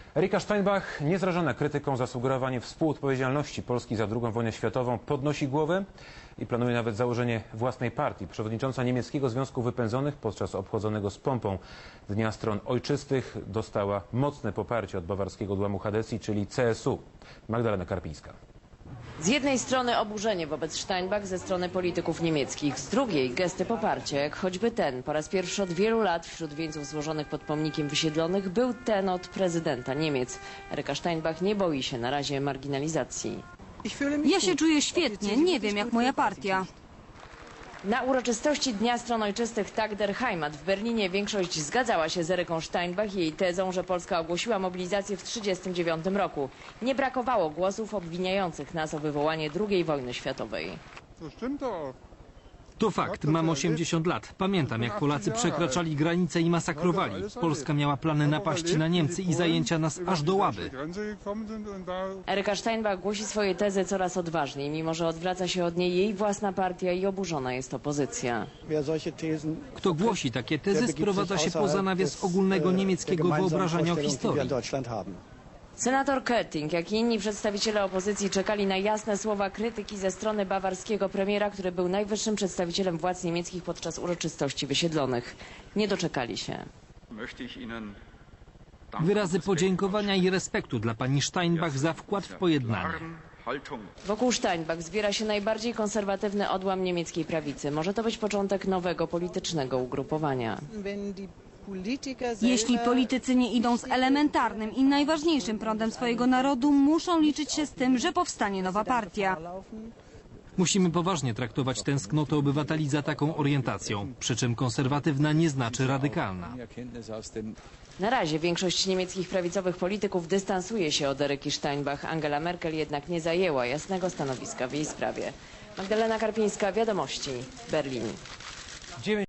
Erika Steinbach, niezrażona krytyką za sugerowanie współodpowiedzialności Polski za II wojnę światową, podnosi głowę i planuje nawet założenie własnej partii. Przewodnicząca niemieckiego Związku Wypędzonych podczas obchodzonego z pompą Dnia Stron Ojczystych dostała mocne poparcie od bawarskiego odłamu Hadesii, czyli CSU. Magdalena Karpińska. Z jednej strony oburzenie wobec Steinbach ze strony polityków niemieckich, z drugiej gesty poparcia, jak choćby ten. Po raz pierwszy od wielu lat wśród wieńców złożonych pod pomnikiem wysiedlonych był ten od prezydenta Niemiec. Erika Steinbach nie boi się na razie marginalizacji. Ja się czuję świetnie, nie wiem jak moja partia. Na uroczystości Dnia Stron Ojczystych Tag der Heimat w Berlinie większość zgadzała się z Eryką Steinbach i jej tezą, że Polska ogłosiła mobilizację w 1939 roku. Nie brakowało głosów obwiniających nas o wywołanie II wojny światowej. To fakt, mam 80 lat. Pamiętam, jak Polacy przekraczali granice i masakrowali. Polska miała plany napaści na Niemcy i zajęcia nas aż do Łaby. Eryka Steinbach głosi swoje tezy coraz odważniej, mimo że odwraca się od niej jej własna partia i oburzona jest opozycja. Kto głosi takie tezy, sprowadza się poza nawias ogólnego niemieckiego wyobrażenia o historii. Senator Kötting, jak i inni przedstawiciele opozycji czekali na jasne słowa krytyki ze strony bawarskiego premiera, który był najwyższym przedstawicielem władz niemieckich podczas uroczystości wysiedlonych. Nie doczekali się. Wyrazy podziękowania i respektu dla pani Steinbach za wkład w pojednanie. Wokół Steinbach zbiera się najbardziej konserwatywny odłam niemieckiej prawicy. Może to być początek nowego politycznego ugrupowania. Jeśli politycy nie idą z elementarnym i najważniejszym prądem swojego narodu, muszą liczyć się z tym, że powstanie nowa partia. Musimy poważnie traktować tęsknotę obywateli za taką orientacją, przy czym konserwatywna nie znaczy radykalna. Na razie większość niemieckich prawicowych polityków dystansuje się od Eryki Steinbach. Angela Merkel jednak nie zajęła jasnego stanowiska w jej sprawie. Magdalena Karpińska, Wiadomości, Berlin.